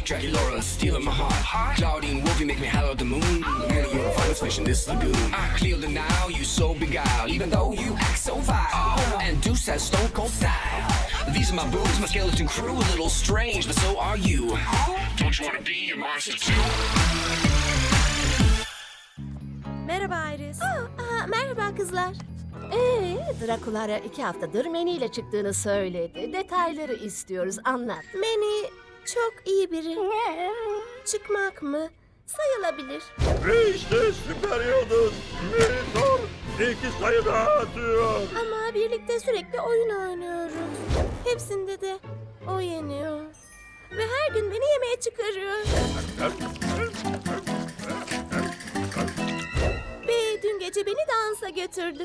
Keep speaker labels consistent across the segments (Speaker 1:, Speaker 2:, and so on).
Speaker 1: Dracula stealing my heart. Claudine Wolfie make me hollow the moon. Really, you're a finest fish in this lagoon. I clear the now, you so beguiled. Even though you act so vile. And Deuce has stone cold style. These are my boobs, my skeleton crew. A little strange, but so are you. Don't you wanna be a monster too?
Speaker 2: Merhaba Iris.
Speaker 3: Merhaba kızlar.
Speaker 4: Drakulara 2 haftadır Manny ile çıktığını söyledi. Detayları istiyoruz, anlat.
Speaker 3: Manny çok iyi biri. Çıkmak mı? Sayılabilir.
Speaker 5: Ve işte süper yıldız. Meritor 2 sayı daha atıyor.
Speaker 3: Ama birlikte sürekli oyun oynuyoruz. Hepsinde de o yeniyor. Ve her gün beni yemeğe çıkarıyor. Ve dün gece beni dansa götürdü.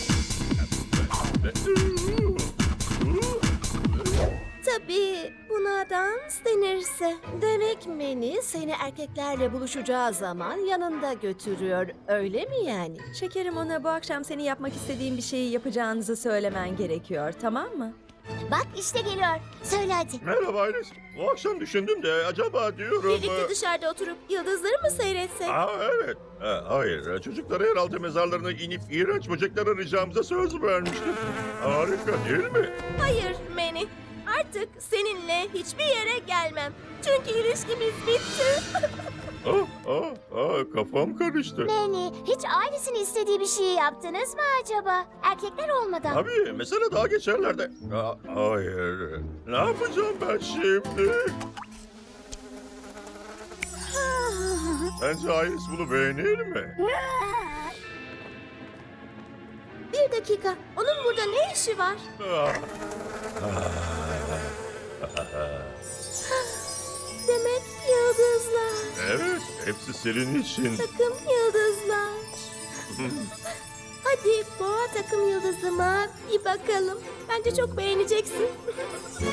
Speaker 3: Tabii buna dans denirse.
Speaker 4: Demek Manny seni erkeklerle buluşacağı zaman yanında götürüyor, öyle mi yani?
Speaker 2: Şekerim, ona bu akşam senin yapmak istediğin bir şeyi yapacağınızı söylemen gerekiyor, tamam mı?
Speaker 3: Bak işte geliyor. Söyle hadi.
Speaker 5: Merhaba Iris. Bu akşam düşündüm de acaba diyorum...
Speaker 3: Birlikte dışarıda oturup yıldızları mı seyretsek?
Speaker 5: Evet. Hayır. Çocuklara yeraltı mezarlarına inip iğrenç böcekler arayacağımıza söz vermiştim. Harika değil mi?
Speaker 3: Hayır Manny. Artık seninle hiçbir yere gelmem. Çünkü ilişkimiz bitti.
Speaker 5: Kafam karıştı.
Speaker 3: Manny, hiç ailesinin istediği bir şeyi yaptınız mı acaba? Erkekler olmadan.
Speaker 5: Tabii. Mesele daha geçerlerde. Hayır. Ne yapacağım ben şimdi? Bence Iris bunu beğenir mi?
Speaker 3: Bir dakika. Onun burada ne işi var? Demek yıldızlar.
Speaker 5: Evet. Hepsi senin için.
Speaker 3: Takım yıldızlar. Hadi boğa takım yıldızıma bir bakalım. Bence çok beğeneceksin.